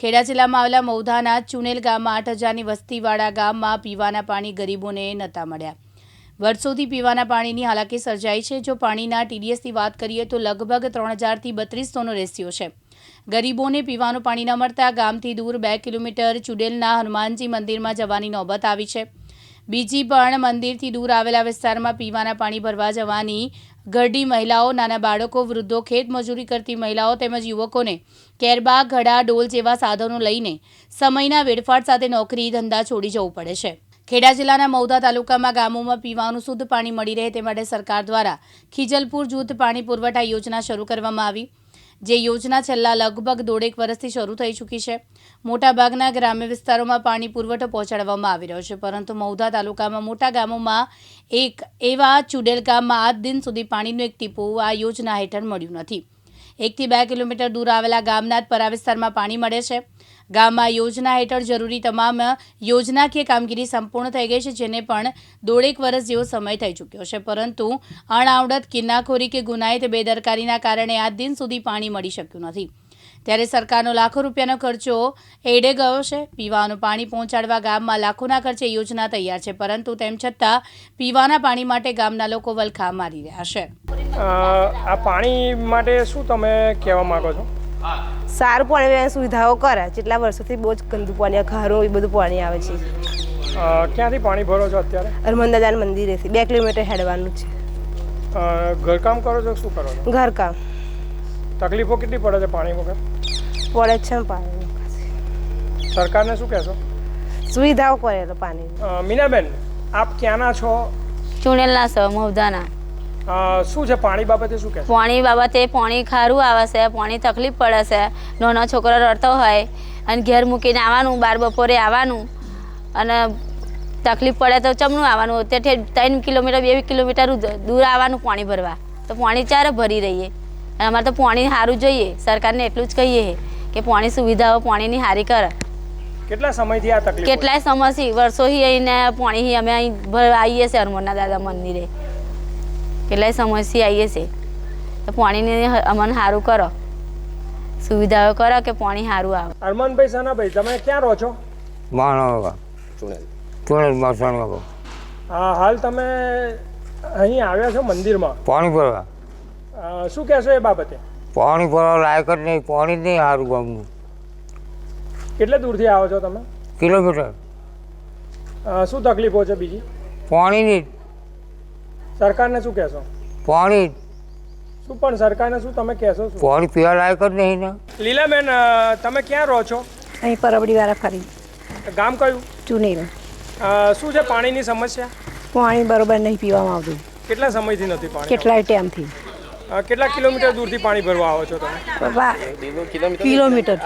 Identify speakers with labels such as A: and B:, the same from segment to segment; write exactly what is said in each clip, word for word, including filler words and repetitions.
A: ખેડા જિલ્લામાં આવેલા મૌધાના ચુનેલ ગામમાં આઠ હજારની વસ્તીવાળા ગામમાં પીવાના પાણી ગરીબોને નહોતા મળ્યા। વર્ષોથી પીવાના પાણીની હાલાકી સર્જાઈ છે। જો પાણીના ટીડીએસની વાત કરીએ તો લગભગ ત્રણ હજારથી બત્રીસોનો રેશિયો છે। ગરીબોને પીવાનું પાણી ન મળતા ગામથી દૂર બે કિલોમીટર ચુડેલના હનુમાનજી મંદિરમાં જવાની નોબત આવી છે। બીજી પણ મંદિરથી દૂર આવેલા વિસ્તારમાં પીવાના પાણી ભરવા જવાની ઘરડી મહિલાઓ, નાના બાળકો, વૃદ્ધો, ખેત મજૂરી કરતી મહિલાઓ તેમજ યુવકોને કેરબા, ઘડા, ડોલ જેવા સાધનો લઈને સમયના વેડફાટ સાથે નોકરી ધંધા છોડી જવું પડે છે। ખેડા જિલ્લાના મૌધા તાલુકામાં ગામોમાં પીવાનું શુદ્ધ પાણી મળી રહે તે માટે સરકાર દ્વારા ખીજલપુર જૂથ પાણી પુરવઠા યોજના શરૂ કરવામાં આવી, જે યોજના છેલ્લા લગભગ દોઢેક વર્ષથી શરૂ થઈ ચૂકી છે। મોટાભાગના ગ્રામ્ય વિસ્તારોમાં પાણી પુરવઠો પહોંચાડવામાં આવી રહ્યો છે, પરંતુ મૌધા તાલુકામાં મોટા ગામોમાં એક એવા ચુડેલ ગામમાં આજ દિન સુધી પાણીનું એક ટીપું આ યોજના હેઠળ મળ્યું નથી। એકથી બે કિલોમીટર દૂર આવેલા ગામના જ પરા વિસ્તારમાં પાણી મળે છે। ગામમાં યોજના હેઠળ જરૂરી તમામ યોજનાકીય કામગીરી સંપૂર્ણ થઈ ગઈ છે, જેને પણ દોઢેક વર્ષ જેવો સમય થઈ ચૂક્યો છે, પરંતુ અણઆવડત, કિન્નાખોરી કે ગુનાહિત બેદરકારીના કારણે આજ દિન સુધી પાણી મળી શક્યું નથી। ત્યારે સરકારનો લાખો રૂપિયાનો ખર્ચો એડે ગયો છે। પીવાનું પાણી પહોંચાડવા ગામમાં લાખોના ખર્ચે યોજના તૈયાર છે, પરંતુ તેમ છતાં પીવાના પાણી માટે ગામના લોકો વલખા મારી રહ્યા છે।
B: આ પાણી માટે શું તમે કહેવા માંગો છો?
C: સારું પાણી સુવિધાઓ કરે। જેટલા વર્ષોથી બહુ જ ગંદુ પાણી, ખારું એ બધું પાણી આવે છે।
B: ક્યાંથી પાણી ભરો છો અત્યારે?
C: હનુમાનદાદાના મંદિરેથી બે કિલોમીટર હેડવાનું છે।
B: ઘરકામ કરો છો? શું કરો છો?
C: ઘરકામ।
B: તકલીફો કેટલી પડે છે પાણી વગર?
C: પડે છે ને પાણી।
B: સરકારને શું કહેશો?
C: સુવિધાઓ કરે તો પાણી।
B: મીનાબેન, આપ ક્યાંના છો?
D: ચુણેલના છો, મૌધાના।
B: શું છે પાણી બાબતે શું કહેશો?
D: પાણી બાબતે પાણી ખારું આવે છે, પાણી તકલીફ પડે છે। નાનો છોકરો રડતો હોય અને ઘેર મૂકીને આવવાનું, બાર બપોરે આવવાનું અને તકલીફ પડે તો ચમનું આવવાનું, તેથી ત્રણ કિલોમીટર બે કિલોમીટર દૂર આવવાનું પાણી ભરવા। તો પાણી ચારે ભરી રહીએ અને અમારે તો પાણી સારું જોઈએ। સરકારને એટલું જ કહીએ કે પાણી સુવિધાઓ પાણીની સારી કરે।
B: કેટલા સમયથી આ તકલીફ?
D: કેટલાય સમયથી, વર્ષોથી અહીંને પાણી અમે અહીં આવીએ છીએ હનુમાનના દાદા મંદિરે, કેટલાય સમયથી આવીએ છીએ। તો પાણીને અમને સારું કરો, સુવિધાઓ કરો કે પાણી સારું આવે।
B: અરમાનભાઈ, સાનાભાઈ, તમે ક્યાં રહો છો?
E: માનવગા ચુણેલ ચુણેલ માસણગા।
B: હા, હાલ તમે અહીં આવ્યા છો મંદિરમાં
E: પાણી ભરવા।
B: શું કહેશો એ બાબતે?
E: પાણી ભરવા લાયક જ નહીં, પાણી જ નહીં સારું ગામનું।
B: કેટલે દૂરથી આવો છો તમે?
E: કિલોમીટર।
B: શું તકલીફો છે બીજી?
E: પાણીની જ।
B: સરકારને શું કહેશો?
E: પાણી
B: શું પણ સરકારને શું તમે કહેશો? શું
E: પાણી પીવા લાયક જ નહીં ને।
B: લીલાબેન, તમે ક્યાં રહો છો?
C: અહીં પરબડી વાળા ફરી।
B: ગામ કયું?
C: ચુનેલ।
B: શું છે પાણીની સમસ્યા?
C: પાણી બરોબર નહીં પીવામાં આવતું।
B: કેટલા સમયથી નથી પાણી?
C: કેટલાય ટાઈમથી।
B: કેટલા કિલોમીટર દૂરથી પાણી ભરવા આવો છો તમે?
C: કિલોમીટર।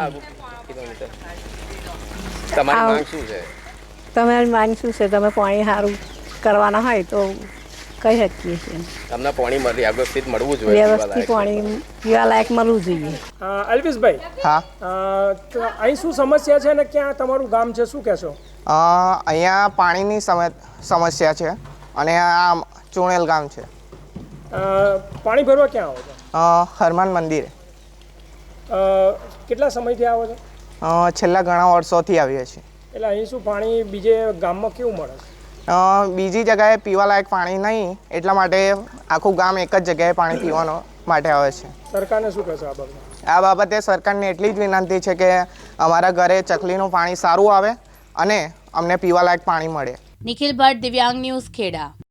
F: તમારી માંગ શું છે?
C: તમારી માંગ શું છે? તમે પાણી સારું કરવાના હોય તો કહી શકીએ છીએ।
F: તમને પાણી મળી વ્યવસ્થિત મળવું જોઈએ,
C: વ્યવસ્થિત પાણી પીવા લાયક મળવું જોઈએ।
B: અલ્પેશભાઈ,
G: હા,
B: અહીં શું સમસ્યા છે અને ક્યાં તમારું ગામ છે, શું કહેશો?
G: અહીંયા પાણીની સમસ્યા છે અને આ ચુણેલ ગામ છે।
B: પાણી ભરવા ક્યાં આવો છો?
G: હનુમાન મંદિરે।
B: કેટલા સમયથી આવો છો?
G: છેલ્લા ઘણા વર્ષોથી આવીએ છીએ।
B: એટલે અહીં શું પાણી બીજે ગામમાં કેવું મળે છે?
G: બીજી જગ્યાએ પીવાલાયક પાણી નહીં, એટલા માટે આખું ગામ એક જ જગ્યાએ પાણી પીવાનો માટે આવે છે।
B: સરકારને શું કહેશો આ બાબતે?
G: આ બાબતે સરકારને એટલી જ વિનંતી છે કે અમારા ઘરે ચકલીનું પાણી સારું આવે અને અમને પીવાલાયક પાણી મળે।
A: નિખિલ ભટ્ટ, દિવ્યાંગ ન્યૂઝ, ખેડા।